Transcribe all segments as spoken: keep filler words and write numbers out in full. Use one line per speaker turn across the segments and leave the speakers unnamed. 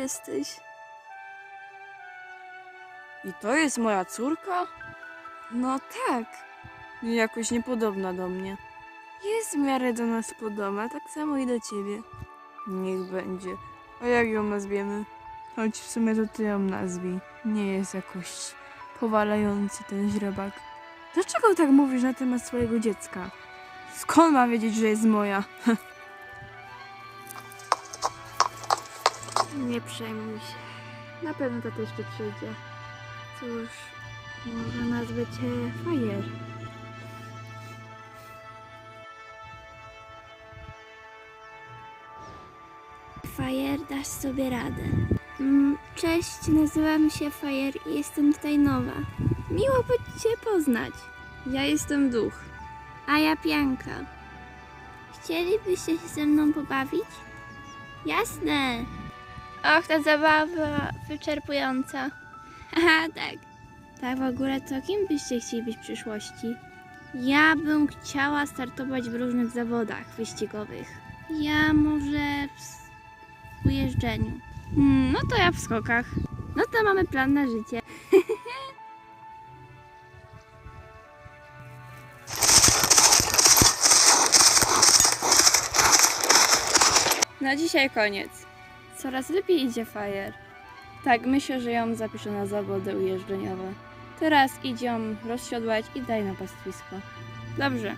jesteś. I to jest moja córka? No tak. Jakoś niepodobna do mnie. Jest w miarę do nas podobna, tak samo i do ciebie. Niech będzie. A jak ją nazwiemy? Choć w sumie to ty ją nazwij. Nie jest jakoś powalający ten źrebak. Dlaczego tak mówisz na temat swojego dziecka? Skąd ma wiedzieć, że jest moja? Nie przejmuj się. Na pewno to jeszcze przyjdzie. Cóż, może nazwę cię Fajer.
Fajer, dasz sobie radę. Mm, Cześć, nazywam się Fajer i jestem tutaj nowa. Miło by Cię poznać.
Ja jestem duch.
A ja Pianka. Chcielibyście się ze mną pobawić? Jasne. Och, ta zabawa wyczerpująca. Haha, tak. Tak w ogóle to kim byście chcieli być w przyszłości? Ja bym chciała startować w różnych zawodach wyścigowych. Ja może w ujeżdżeniu. Hmm, no to ja w skokach. No to mamy plan na życie.
Na dzisiaj koniec. Coraz lepiej idzie Fajer. Tak, myślę, że ją zapiszę na zawody ujeżdżeniowe. Teraz idź ją rozsiodłać i daj na pastwisko. Dobrze.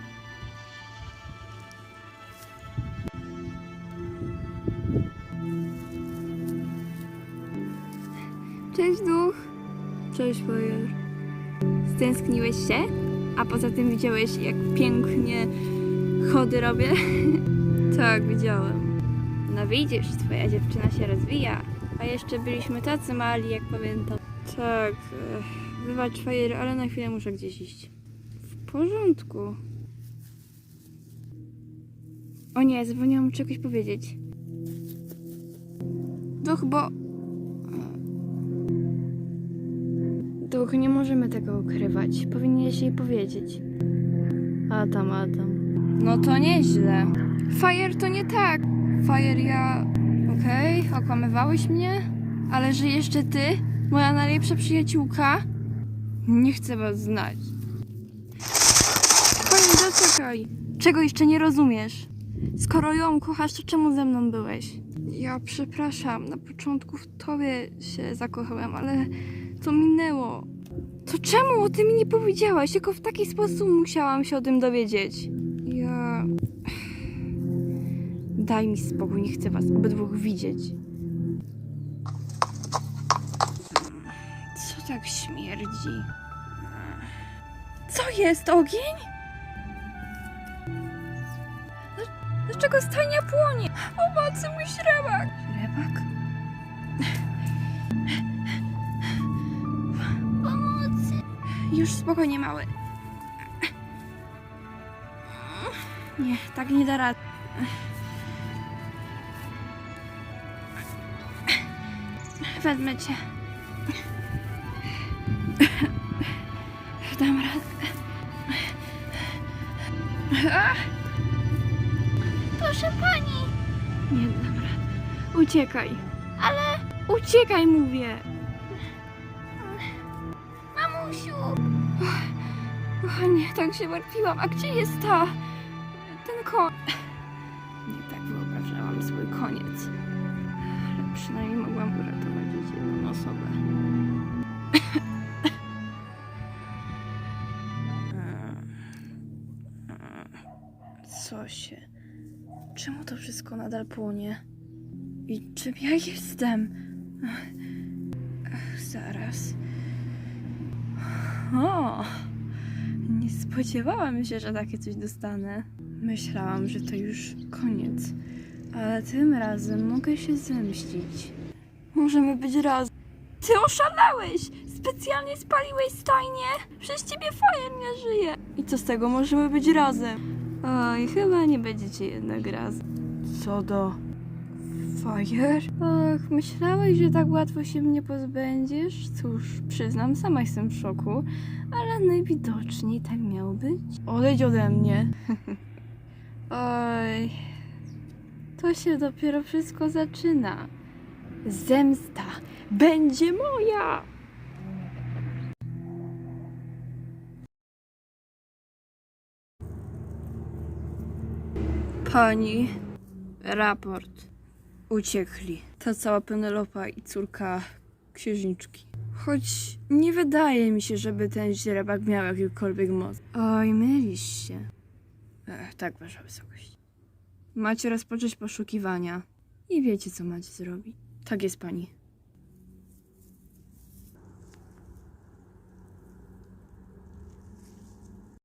Cześć duch.
Cześć Fajer.
Stęskniłeś się? A poza tym widziałeś, jak pięknie chody robię?
Tak, widziałem.
No widzisz, twoja dziewczyna się rozwija. A jeszcze byliśmy tacy mali, jak pamiętam.
Tak, e, wybacz Fajer, ale na chwilę muszę gdzieś iść. W porządku.
O nie, zapomniałam czegoś powiedzieć.
Duch, bo... Duch, nie możemy tego ukrywać. Powinieneś jej powiedzieć. Adam, Adam. No to nieźle. Fajer, to nie tak. Fajer, ja... Okej, okay, okłamywałeś mnie? Ale że jeszcze ty? Moja najlepsza przyjaciółka? Nie chcę was znać. Fajer, zaczekaj. Czego jeszcze nie rozumiesz? Skoro ją kochasz, to czemu ze mną byłeś? Ja przepraszam, na początku w tobie się zakochałem, ale to minęło. To czemu o tym mi nie powiedziałaś? Tylko w taki sposób musiałam się o tym dowiedzieć. Ja... Daj mi spokój, nie chcę was obydwóch widzieć. Co tak śmierdzi? Co jest? Ogień? Dlaczego stajnia płonie? Pomocy, mój śrebak! Śrebak?
Pomocy!
Już spokojnie, mały. Nie, tak nie da rady. Wezmę cię. Dam radę.
Proszę pani!
Nie dam rady. Uciekaj.
Ale...
Uciekaj, mówię.
Mamusiu!
Kochanie, tak się martwiłam. A gdzie jest ta... ten koń? Nie tak wyobrażałam swój koniec. Ale przynajmniej mogłam uratować choć jedną osobę. Co się... Czemu to wszystko nadal płonie? I czym ja jestem? Ach, zaraz... O! Nie spodziewałam się, że takie coś dostanę. Myślałam, że to już koniec. Ale tym razem mogę się zemścić. Możemy być razem. Ty oszalałeś! Specjalnie spaliłeś stajnię! Przez ciebie Fajer nie żyje! I co z tego? Możemy być razem. Oj, chyba nie będziecie jednak razem. Co do... Fajer? Och, myślałeś, że tak łatwo się mnie pozbędziesz? Cóż, przyznam, sama jestem w szoku, ale najwidoczniej tak miało być. Odejdź ode mnie. Oj, to się dopiero wszystko zaczyna. Zemsta będzie moja! Pani, raport. Uciekli. Ta cała Penelopa i córka księżniczki. Choć nie wydaje mi się, żeby ten źrebak miał jakiekolwiek moc. Oj, mylisz się. Ech, tak, wasza wysokość. Macie rozpocząć poszukiwania i wiecie, co macie zrobić. Tak jest, pani.